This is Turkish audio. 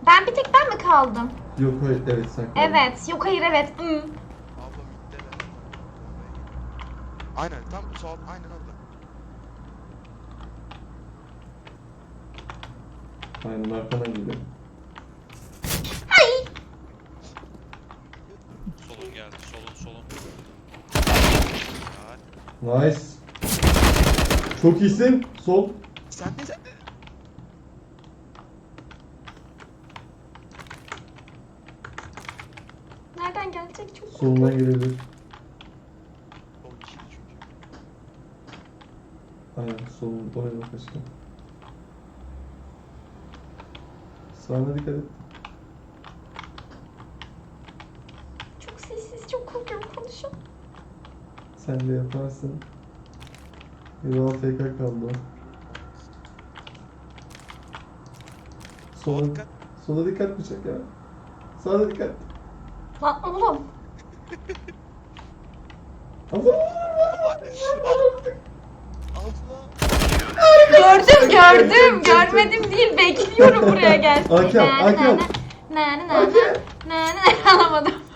Bir tek ben mi kaldım? Yok hayır, evet sen kaldın. Evet. Yok hayır evet. Abla midde de. Aynen tam sol aynen orada. Aynen arkana geliyor. Solun geldi. Solun. Nice. Çok iyisin. Sol. Sen de. Nereden gelecek çok Solundan gelebilir. O ikili çünkü. Aynen solun. Oraya bak aşkım. Sağına dikkat et. Çok sessiz, çok korkuyorum konuşun. Sen de yaparsın. Bir AFK kaldı o. Sola Sola, dikkat. sola dikkat bıçak ya. Sağa dikkat. Lan oğlum. Allah! Abla. Gördüm. Görmedim değil. Bekliyorum buraya gelsin. Hakem, hakem. Ne alamadım.